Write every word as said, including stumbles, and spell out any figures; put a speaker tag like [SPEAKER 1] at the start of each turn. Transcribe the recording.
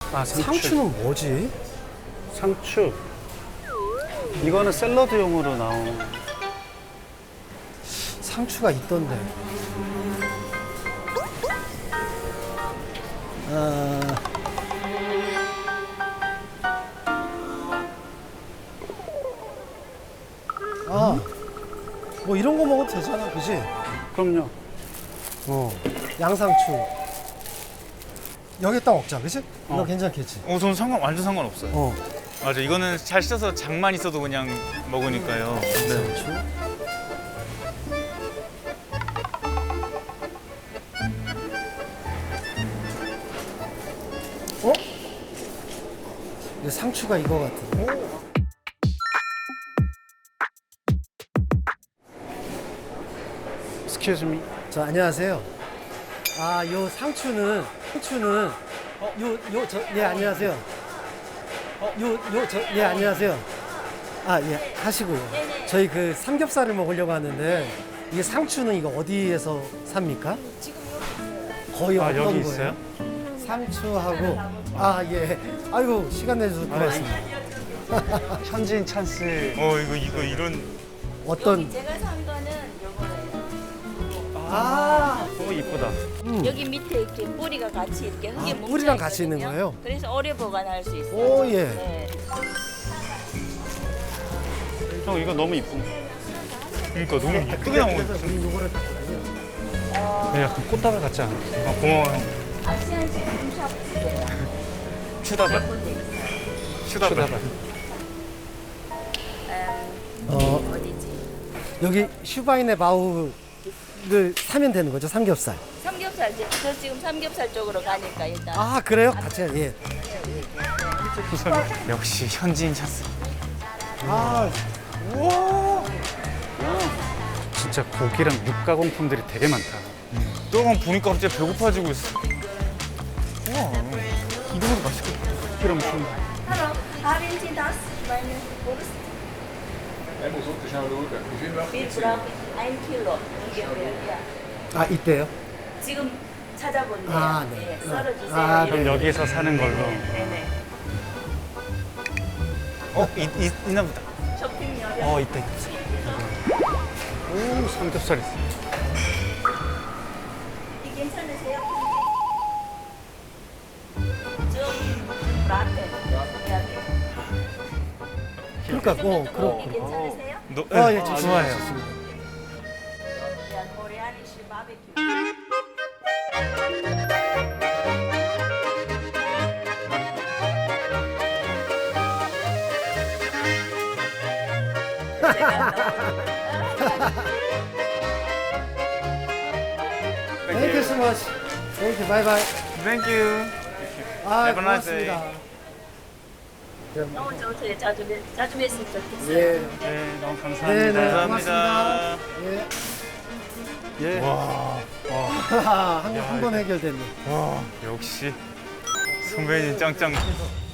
[SPEAKER 1] 아, 상추.
[SPEAKER 2] 상추는 뭐지?
[SPEAKER 1] 상추. 이거는 샐러드용으로 나온.
[SPEAKER 2] 상추가 있던데. 아, 아, 뭐 이런 거 먹어도 되잖아, 그지?
[SPEAKER 1] 그럼요.
[SPEAKER 2] 어, 양상추. 여기다 먹자, 그지? 이거
[SPEAKER 1] 어.
[SPEAKER 2] 괜찮겠지?
[SPEAKER 3] 어, 저는 상관 완전 상관없어요.
[SPEAKER 2] 어,
[SPEAKER 3] 맞아, 이거는 잘 씻어서 장만 있어도 그냥 먹으니까요. 네.
[SPEAKER 2] 양상추. 어? 이거 상추가 이거 같은데.
[SPEAKER 1] Excuse me.
[SPEAKER 2] 자, 안녕하세요. 아, 요 상추는, 상추는, 요, 요, 저, 예, 안녕하세요. 요, 요, 저, 예, 안녕하세요. 아, 예, 하시고요. 저희 그 삼겹살을 먹으려고 하는데, 이게 상추는 이거 어디에서 삽니까? 거의
[SPEAKER 1] 아,
[SPEAKER 2] 어떤
[SPEAKER 1] 여기
[SPEAKER 2] 거예요?
[SPEAKER 1] 있어요?
[SPEAKER 2] 상추하고, 아, 예. 아이고, 시간 내주셔서 고맙습니다.
[SPEAKER 1] 현지인 찬스.
[SPEAKER 3] 어, 이거 이거 이런
[SPEAKER 2] 어떤,
[SPEAKER 4] 제가 산 거는 요거예요.
[SPEAKER 2] 아,
[SPEAKER 1] 오, 이쁘다.
[SPEAKER 2] 음.
[SPEAKER 4] 여기 밑에 이렇게 뿌리가 같이 이렇게 흙에
[SPEAKER 2] 아,
[SPEAKER 4] 뭉쳐
[SPEAKER 2] 뿌리랑 같이 있는
[SPEAKER 4] 있거든요.
[SPEAKER 2] 거예요?
[SPEAKER 4] 그래서 오래 보관할 수 있어요.
[SPEAKER 2] 오, 예.
[SPEAKER 4] 네.
[SPEAKER 1] 형, 이거 너무 이쁜데.
[SPEAKER 3] 그러니까 너무 이쁘게 나온 거.
[SPEAKER 2] 그래서 우리 요거를 샀거든요.
[SPEAKER 1] 네, 약간 꽃다발 같지 않아?
[SPEAKER 3] 아, 고마워요.
[SPEAKER 4] 아시안 식품샵
[SPEAKER 3] 추다발. 추다발.
[SPEAKER 1] 추다발.
[SPEAKER 4] 음,
[SPEAKER 2] 어,
[SPEAKER 4] 어디지?
[SPEAKER 2] 여기 슈바인의 바우를 사면 되는 거죠, 삼겹살.
[SPEAKER 4] 삼겹살 지- 저 지금 삼겹살 쪽으로 가니까 일단
[SPEAKER 2] 아, 그래요? 같이, 예.
[SPEAKER 3] 역시 현지인 찬스.
[SPEAKER 2] 아,
[SPEAKER 1] 진짜 고기랑 육가공품들이 되게 많다.
[SPEAKER 3] 또한 보니까 갑자기 배고파지고 있어. 우와, 이거보다 맛있겠다.
[SPEAKER 1] 고기랑 무슨
[SPEAKER 4] Hallo, haben Sie das? Meine Wurst? Wir brauchen ein Kilo ungefähr. Ja.
[SPEAKER 2] 아, 이때요?
[SPEAKER 4] 지금 찾아본대요.
[SPEAKER 2] 아, 네.
[SPEAKER 4] 네, 썰어주세요.
[SPEAKER 2] 아,
[SPEAKER 4] 이렇게.
[SPEAKER 1] 그럼 여기서 사는 걸로.
[SPEAKER 4] 네네.
[SPEAKER 3] 어, 이, 이, 있나 보다.
[SPEAKER 4] 쇼핑 여력.
[SPEAKER 1] 어, 있다, 있다. 오, 삼겹살 있어.
[SPEAKER 4] 이 괜찮으세요? 좀 라떼.
[SPEAKER 2] 그러니까, 어,
[SPEAKER 4] 이
[SPEAKER 2] 그렇고.
[SPEAKER 4] 괜찮으세요?
[SPEAKER 3] 너,
[SPEAKER 2] 아, 예,
[SPEAKER 3] 네,
[SPEAKER 2] 좋습니다.
[SPEAKER 3] 좋아해요.
[SPEAKER 2] 좋습니다.
[SPEAKER 4] 야, 코리아니시 바베큐.
[SPEAKER 2] Thank you so much. Thank you. Bye bye.
[SPEAKER 3] Thank you.
[SPEAKER 2] 아,
[SPEAKER 3] Have a nice day.
[SPEAKER 2] 고맙습니다.
[SPEAKER 4] 너무 좋대요. 자주 뵀- 자주 뵀으면 좋겠어요.
[SPEAKER 2] 예.
[SPEAKER 1] 네, 너무
[SPEAKER 2] 네,
[SPEAKER 1] 감사합니다.
[SPEAKER 2] 네.
[SPEAKER 3] 감사합니다.
[SPEAKER 2] 예.
[SPEAKER 1] 예.
[SPEAKER 3] 와,
[SPEAKER 2] 한번 한 번 해결됐네.
[SPEAKER 3] 와, 역시 선배님 짱짱.